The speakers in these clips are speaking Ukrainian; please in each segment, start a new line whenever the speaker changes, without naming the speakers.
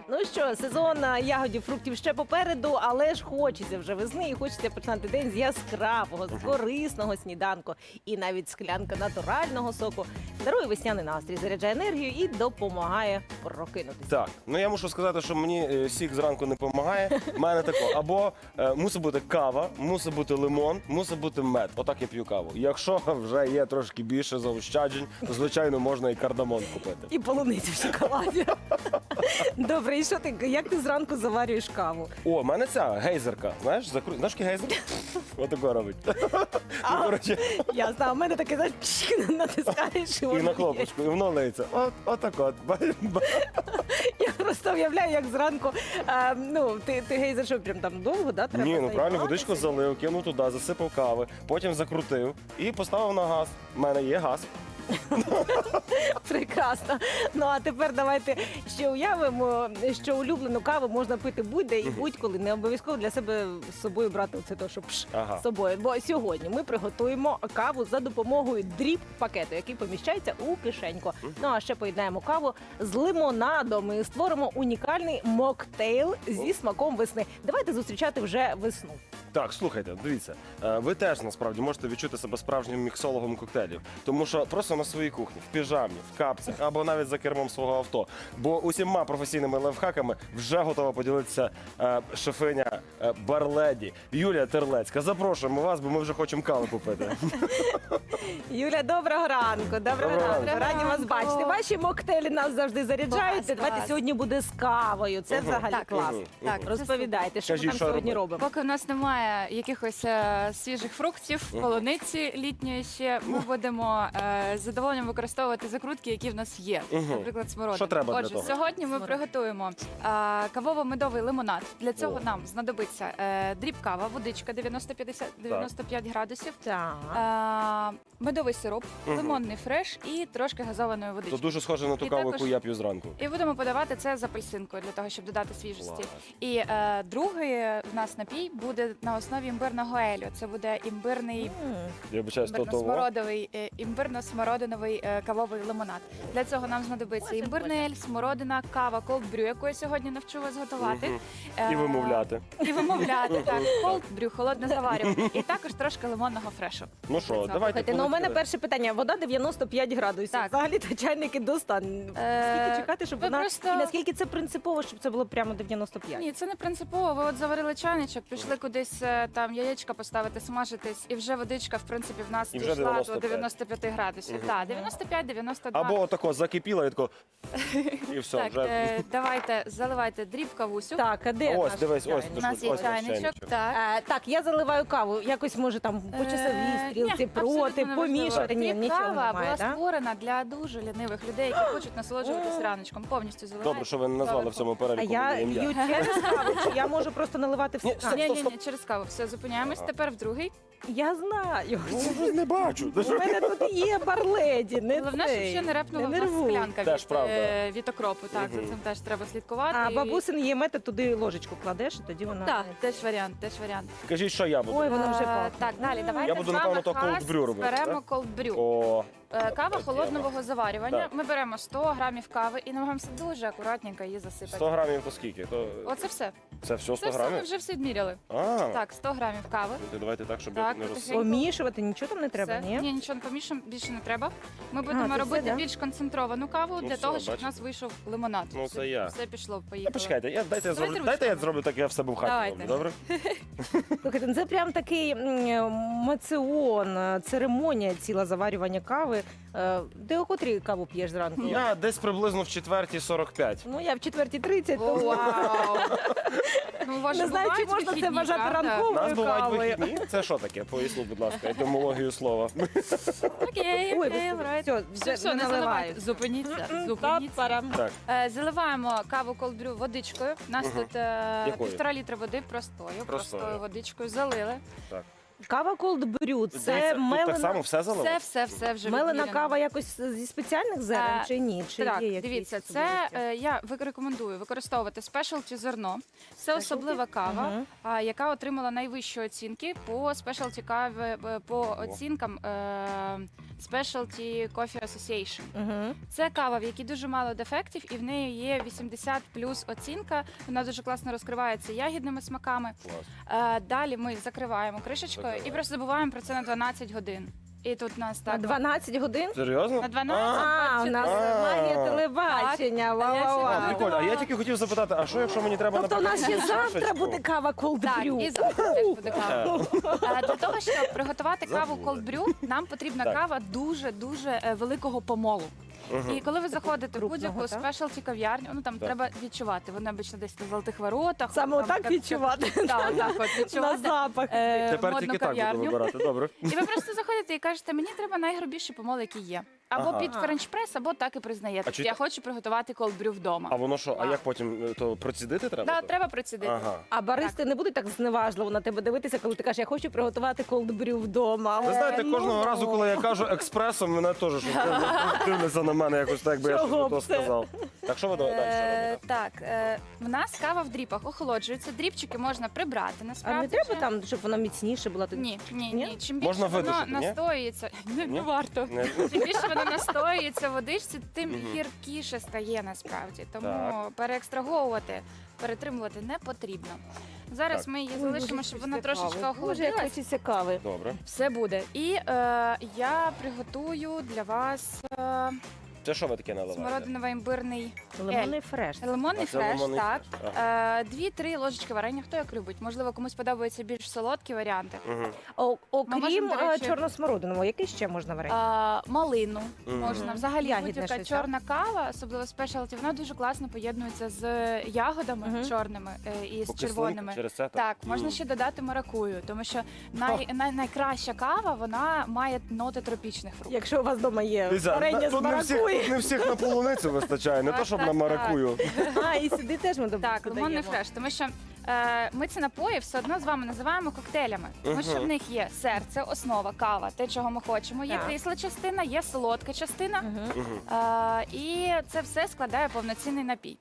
Ну що, сезон ягодів, фруктів ще попереду, але ж хочеться вже весни і хочеться починати день з яскравого, з корисного сніданку. І навіть склянка натурального соку дарує весняний настрій, заряджає енергію і допомагає прокинутися.
Так, ну я мушу сказати, що мені сік зранку не допомагає. У мене тако, або мусить бути кава, мусить бути лимон, мусить бути мед. Отак я п'ю каву. Якщо вже є трошки більше заощаджень, то, звичайно, можна і кардамон купити.
І полуницю в шоколаді. Добре, і що ти, як ти зранку заварюєш каву?
О, в мене ця гейзерка. Знаєш, знаєш, який гейзер? Отако робить. Ну, коротше,
Я знаю, у мене таке, знаєш, натискаєш і
і
воно
на
є.
кнопочку, і воно лиється. Отак от.
Я просто уявляю, як зранку, ну, ти гейзер, що прям там довго, да, треба?
Ні, ну правильно,
займатися?
водичку залив, кинув туди, засипав кави, потім закрутив і поставив на газ. У мене є газ.
Прекрасно. Ну а тепер давайте ще уявимо, що улюблену каву можна пити будь-де і будь-коли. Не обов'язково для себе з собою брати оце то, що
Ага.
з собою. Бо сьогодні ми приготуємо каву за допомогою дріп-пакету, який поміщається у кишеньку. Ну а ще поєднаємо каву з лимонадом і створимо унікальний моктейл зі смаком весни. Давайте зустрічати вже весну.
Так, слухайте, дивіться, ви теж насправді можете відчути себе справжнім міксологом коктейлів, тому що просто на своїй кухні, в піжамі, в капцях або навіть за кермом свого авто. Бо усіма професійними лайфхаками вже готова поділитися шефиня Барледі Юлія Терлецька. Запрошуємо вас, бо ми вже хочемо кави попити.
Юля, доброго ранку. Доброго ранку. Раді вас бачити. Ваші моктейлі нас завжди заряджають.
Клас,
Давайте
клас.
сьогодні буде з кавою. Це взагалі
Так,
клас.
Так,
Розповідайте, що ми
Кажіть,
там
що
сьогодні
робити?
робимо.
Поки в нас немає якихось свіжих фруктів, полуниці літньої ще, ми будемо з задоволенням використовувати закрутки, які в нас є. Наприклад, смородина.
Що треба для
Отже,
того?
сьогодні ми приготуємо кавово-медовий лимонад. Для цього нам знадобиться дріб-кава, водичка 90-95 градусів,
Так.
медовий сироп, лимонний фреш і трошки газованої водички.
То дуже схоже на ту
І
каву,
також-
яку я п'ю зранку.
І будемо подавати це з апельсинкою для того, щоб додати свіжості.
Клас.
І другий в нас напій буде на основі імбирного елю. Це буде імбирний
Я вибачаюсь, то того.
імбирно-смородиновий кавовий лимонад. Для цього нам знадобиться імбирний ель, смородина, кава, колд-брю, яку я сьогодні навчу вас готувати.
І вимовляти.
І вимовляти, так. Колд-брю, холодне заварювання. І також трошки лимонного фрешу.
Ну що, давайте
Слухайте, ну у мене
полетіли.
перше питання. Вода 95 градусів.
Так.
Взагалі то чайники достань. Скільки чекати, щоб
ви
вона...
просто-
І наскільки це принципово, щоб це було прямо 95?
Ні, це не принципово. Ви от заварили чайничок, пішли кудись там яєчка поставити, смажитись, і вже водичка, в принципі, в нас
І вже
дійшла
95.
до 95 градусів. Так, 95-92.
Або отако закипіло і тако. І все,
Так,
вже.
давайте, заливайте дріб кавусю.
Так, а де
Ось,
наш
дивись, ось
чайник?
У нас є
ось наш
чайничок.
чайничок.
Так.
Так, я заливаю каву. Якось може там по часовій стрілці
Ні,
проти,
абсолютно неважливо.
помішати. Ні, нічого
Кава
немає,
була
так?
створена для дуже лінивих людей, які хочуть насолоджуватися раночком. Повністю заливають.
Добре, що ви не назвали в цьому
А
переліку
я
моє
п'ю
ім'я.
через каву, чи я можу просто наливати в
Ні,
стакан?
стоп.
Ні, через каву. Все, зупиняємось. Тепер в другий.
Я знаю.
Ну, не бачу.
У мене тут є барледі, не
Головне, щоб
цей.
ще не репнула в нас
нервуй.
склянка
Теж правда.
від окропу. Так, за цим теж треба слідкувати.
А
І-
бабусин є метод, туди ложечку кладеш, і тоді вона...
Так, теж варіант, теж варіант.
Кажіть, що я буду.
Ой, воно вже пахне.
Так, далі, давайте
Я буду,
з вами
напевно, то
хас
cold brew робити,
беремо
так?
колдбрю.
О,
Кава
От
холодного
тема.
заварювання.
Так.
Ми беремо 100 грамів кави і намагаємося дуже акуратненько її засипати.
100 грамів то скільки? То...
Оце все.
Це все 100
Це все ми
грамів?
вже все відміряли.
А,
Так, 100 грамів кави.
давайте так, щоб
Так,
я не
потихеньку.
Помішувати, нічого там не треба,
Все.
ні?
Ні, нічого не помішуємо, більше не треба. Ми
це
будемо
все,
робити
да?
більш концентровану каву
Ну
для
все,
того, щоб
бачите.
в нас вийшов лимонад.
Ну, це я.
Все пішло,
Та
поїхало.
почекайте, дайте я
Давайте
дайте я
ручками.
зроблю так, як я в себе в хаті
Давайте.
роблю, добре?
Слухайте, ну це прям такий маціон, церемонія ціла заварювання кави. Ти о котрій каву п'єш зранку?
Я десь приблизно в 4:45.
Ну, я в 4:30,
О,
то...
вау! Ну, у вас
Не
же
знаю, чи
бувають
можна це
вихідні,
вважати
правда?
У
ранковою
нас бувають
кавою.
вихідні. Це що таке? Поясніть, будь ласка, етимологію слова.
Окей,
Ой,
окей,
господи,
right.
все,
Все,
не
не
наливаю.
заливайте. Зупиніться, зупиніться.
Та-парам.
Так,
Заливаємо каву колдбрю водичкою. У нас тут
Якою?
1,5 літра води простою
Простою.
водичкою залили.
так.
Кава Cold Brew –
Дивіться,
це
тут так само
мелена,
все залили?
Все вже
мелена
відміряно.
кава якось зі спеціальних зерен
Е,
чи ні? Чи
Так,
є якісь
дивіться,
особливості?
це я рекомендую використовувати спешалті зерно. Це особлива кава,
Мгм.
яка отримала найвищі оцінки по спешалті кави, по оцінкам Specialty Coffee Association.
Мгм.
Це кава, в якій дуже мало дефектів, і в неї є 80 плюс оцінка. Вона дуже класно розкривається ягідними смаками.
Клас.
Далі ми закриваємо кришечкою і
Закриваємо.
просто забуваємо про це на 12 годин. І тут нас
На
так
12 годин?
Серйозно?
на 12.
А, у нас магія телебачення.
Так.
Ва-ва-ва.
А, прикольно. А я тільки хотів запитати, а що якщо мені треба
Тобто у нас ще
наприклад,
завтра
чашечку?
буде кава Cold
Так,
Brew.
і завтра теж буде кава. Для того, щоб приготувати каву
Забули.
cold brew, нам потрібна
Так.
кава дуже великого помолу.
Мгм.
І коли ви заходите в
Крупного,
будь-яку
так?
спешалті кав'ярню, ну там
Так.
треба відчувати. Вони обично десь на золотих воротах.
Саме
там,
отак відчувати.
Так, так, от
На
відчувати.
запах.
Тепер
Модну
тільки так буду
кав'ярню.
вибирати. Добре.
І ви просто заходите і кажете, мені треба найгрубіший помол, який є. Або
Ага.
під френч-прес, або так і признаєте.
А чи
Я
та-
хочу приготувати колд-брю вдома.
А воно що? А як потім то процідити треба?
Да,
то?
треба процідити.
Ага.
А баристи не будуть так зневажливо на тебе дивитися, коли ти кажеш, я хочу приготувати Cold Brew вдома.
Ви знаєте,
Ну,
кожного разу, коли я кажу експресом, мене теж щось дивляться на мене якось так, якби я
Чого
щось то
б це?
сказав. Так що ви далі робите?
Так, в нас кава в дріпах охолоджується. Дріпчики можна прибрати.
А
Насправді
не треба
вже.
там, щоб воно міцніше було?
Ні, ні,
Ні?
ні. Чим більше
Можна
воно
видушити, ні?
настоюється, не
Ні?
варто.
Не-
Чим більше воно настоюється в водичці, тим
Мгм.
гіркіше стає насправді. Тому
Так.
переекстраговувати, перетримувати не потрібно. Зараз
Так.
ми її
Ой,
залишимо,
Боже,
щоб вона
хочеться
трошечки
кави. Боже, як
охолодилась.
хочеться кави.
Добре.
Все буде. І я приготую для вас
Це що ви таке наливаєте?
смородиново-імбирний
Лимонний фреш.
лимонний
А це
фреш.
лимонний
Так.
фреш,
2-3 ложечки варення, хто як любить. Можливо, комусь подобаються більш солодкі варіанти.
Мгм.
Окрім
можемо, до речі,
чорносмородиного, який ще можна варити?
Малину
Мгм.
можна. Взагалі
Ягідне
будь-яка
щось, так?
чорна кава, особливо спешалті, вона дуже класно поєднується з ягодами
Мгм.
чорними і з
По кислинку
червоними.
Через це
Так, можна ще додати маракую, тому що найкраща кава вона має ноти тропічних фруктів.
Якщо у вас вдома є
Дивіться,
варення з
тут не всіх,
маракуї.
тут не всіх на полуницю вистачає, не
Так,
то, щоб
так,
на
так.
маракую.
А, і сюди теж ми
Так, лимонний
додаємо.
фреш, тому що ми ці напої все одно з вами називаємо коктейлями, тому що
Мгм.
в них є серце, основа, кава, те, чого ми хочемо. Є
Так.
кисла частина, є солодка частина.
Мгм.
Мгм.
І це все складає повноцінний напій.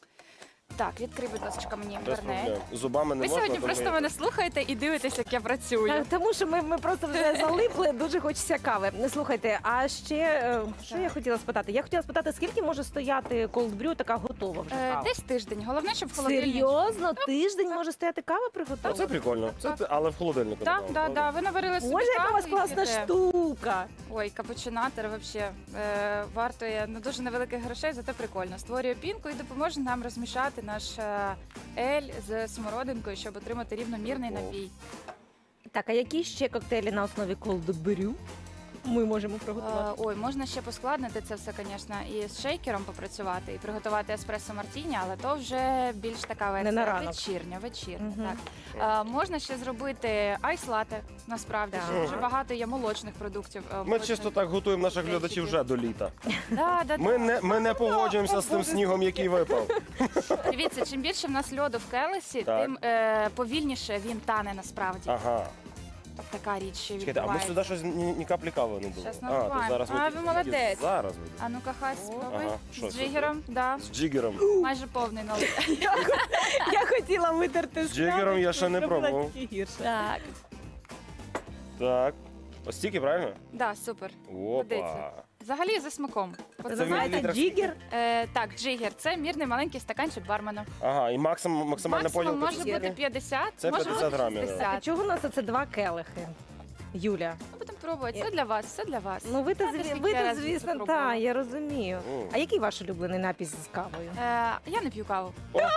Так, відкрий, будь ласка, мені
Без
інтернет.
проблем. Зубами не
Ви
можна.
сьогодні
тому
просто
я-
мене слухаєте і дивитесь, як я працюю.
Так, тому що ми просто вже залипли, дуже хочеться кави. Не слухайте, а ще що
Так.
я хотіла спитати? Я хотіла спитати, скільки може стояти cold brew така готова вже кава?
Десь тиждень. Головне, щоб в холодильнику.
Серйозно? Тиждень може стояти кава
А
приготована?
це прикольно. Це але в холодильнику.
Так,
напевно,
так,
правда?
так. Ви наварили собі
Боже, яка у вас
каву і
класна
п'єте.
штука!
Ой, капучинатор взагалі вартує дуже невеликих грошей, зате прикольно. Створює пінку і допоможе нам розмішати наш ель з смородинкою, щоб отримати рівномірний напій.
Так, а які ще коктейлі на основі cold brew ми можемо приготувати?
Ой, можна ще поскладнити це все, звісно, і з шейкером попрацювати, і приготувати еспресо мартіні, але то вже більш така
Не на ранок.
вечірня.
Мгм.
Так. Можна ще зробити айс-лате, насправді.
Так.
Ще дуже багато є молочних продуктів.
Ми чисто так готуємо наших
Речики.
глядачів вже до літа.
Да.
Ми не погоджуємося з тим снігом, який випав.
Дивіться, чим більше в нас льоду в келесі,
Так.
тим повільніше він тане насправді.
Ага.
Така річ ще
Чекайте, а ми
відбувається.
сюди щось ні каплі кави не було.
Щас
то
наливаємо.
зараз
А, ви молодець.
Зараз буде.
А ну-ка, хай спробуй.
Ага, що
З
це?
джигером, да.
З джигером.
Майже повний налив.
Я хотіла витерти
З джигером я ще не
зробила
пробував.
тільки гірше.
Так,
Так. Ось стільки, правильно?
да, супер.
Опа.
Годиться. Взагалі за смаком.
Ви
Це в
знаєте,
мілілітрах
джигер?
Так, джигер це мірний маленький стаканчик бармена.
Ага, і максимальна
Максимум
поділка.
може бути 50,
Це
може
50
бути
грамів, да.
60.
А чого у нас це два келихи? Юля.
Ну, будемо пробувати. Все для вас, все для вас.
Ну ви
Знаєте,
то
скільки я разів це
звісно,
пробувала?
так, я розумію.
М.
А який ваш улюблений напій з кавою?
Я не п'ю каву.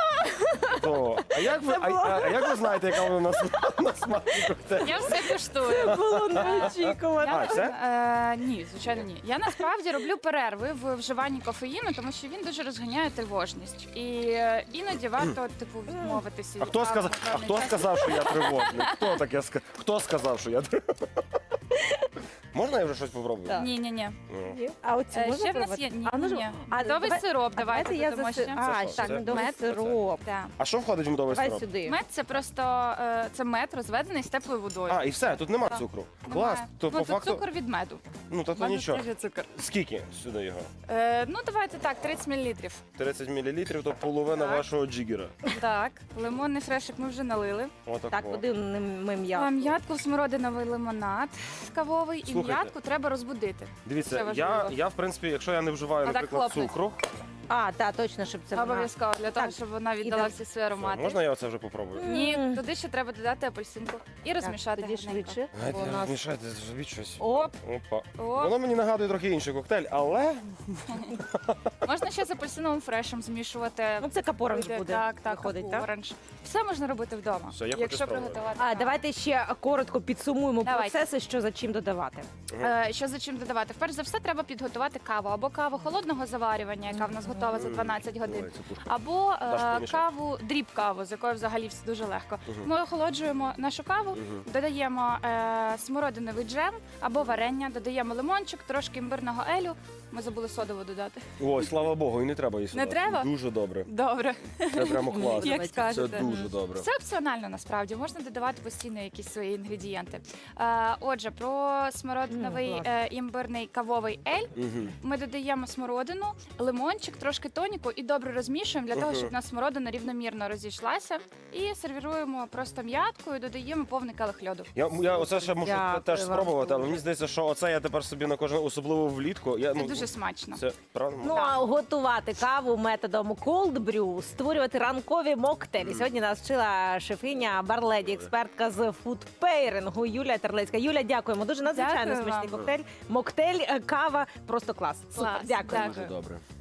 То. А як ви, а як ви знаєте, яка вона на смак коктейль?
Я все куштую.
Було неочікувано.
А, все?
Ні, звичайно, ні. Я насправді роблю перерви в вживанні кофеїну, тому що він дуже розганяє тривожність. І іноді варто типу відмовитися.
А
від
хто
кави
сказав,
на певний час.
що я тривожний? Хто сказав, що я тривожний? Можна я вже щось попробую?
Так.
Ні.
Ну.
А оці можна
Ще в нас
пробувати?
є ні,
А, ну,
ні.
а,
Медовий
давай-
сироп,
А
давайте
я
додамо
заси...
ще.
А,
що?
так,
Це
медовий
мед?
сироп.
Да.
А що входить в медовий
Давай
сироп?
сюди.
Мед це просто це мед розведений з теплою водою.
А, і все, тут нема
Так.
цукру.
Немає.
Клас. То
Ну,
по
тут
факту,
цукор від меду.
ну то
Меду
нічого.
теж є цукор.
Скільки сюди його?
Ну, давайте так, 30 мл.
30 мл, то половина
Так.
вашого джигера.
Так, лимонний фрешик ми вже налили.
Отако.
Так, куди ми м'ясо?
М'ятку, смородиновий лимонад кавовий, і
Слухайте.
м'ятку треба розбудити. Це
Дивіться,
важливо.
я в принципі, якщо я не вживаю,
Отак
наприклад,
хлопнуть.
цукру,
А, так, точно, щоб це вона.
Обов'язково для того,
Так,
щоб вона віддала
іде.
всі свої аромати.
можна я оце вже попробую?
Ні, туди ще треба додати апельсинку і розмішати
тоді
гарненько.
швидше.
Давайте
бо у нас...
змішайте, зробіть щось.
Оп,
Опа.
О,
Воно мені нагадує трохи інший коктейль, але
можна ще з апельсиновим фрешем змішувати.
ну це капоранж
Вийде,
буде,
так,
виходить, так?
оранж. Все можна робити вдома.
Все, я хочу
якщо
спробувати.
приготувати.
А,
так.
давайте ще коротко підсумуємо
Давайте.
процеси, що за чим додавати.
Що за чим додавати? Перш за все, треба підготувати каву або каву холодного заварювання, яка в нас готова за 12 годин.
Ой, це пушка.
Або
Даш помішати?
каву, дріб каву, з якою взагалі все дуже легко.
Мгм.
Ми охолоджуємо нашу каву,
Мгм.
додаємо смородиновий джем або варення, додаємо лимончик, трошки імбирного елю. Ми забули содову додати.
Ой, слава Богу, і не треба її сюди.
Не треба?
Дуже добре.
Добре,
Це прямо класно.
як
Це
скажете.
дуже добре.
Це опціонально насправді, можна додавати постійно якісь свої інгредієнти. Отже, про смородиновий
клас.
імбирний кавовий ель.
Мгм.
Ми додаємо смородину, лимончик, трошки тоніку і добре розмішуємо для того,
Мгм.
щоб у нас смородина рівномірно розійшлася. І сервіруємо просто м'яткою, додаємо повний келих льоду.
Я оце ще можу
Дякую
теж
вам
спробувати, але
дуже.
мені здається, що оце я тепер собі на кожен, особливо влітку. Я,
Це дуже смачно.
Це правда?
Ну, а готувати каву методом cold brew, створювати ранкові моктейлі. Сьогодні нас вчила шефиня, барледі, експертка з фудпейрингу Юлія Терлецька. Юля, дякуємо. Дуже надзвичайно
Дякую
смачний
вам.
коктейль. Моктейль, кава, просто клас. Супер,
Клас,
дякую.
дякую.
Дуже добре.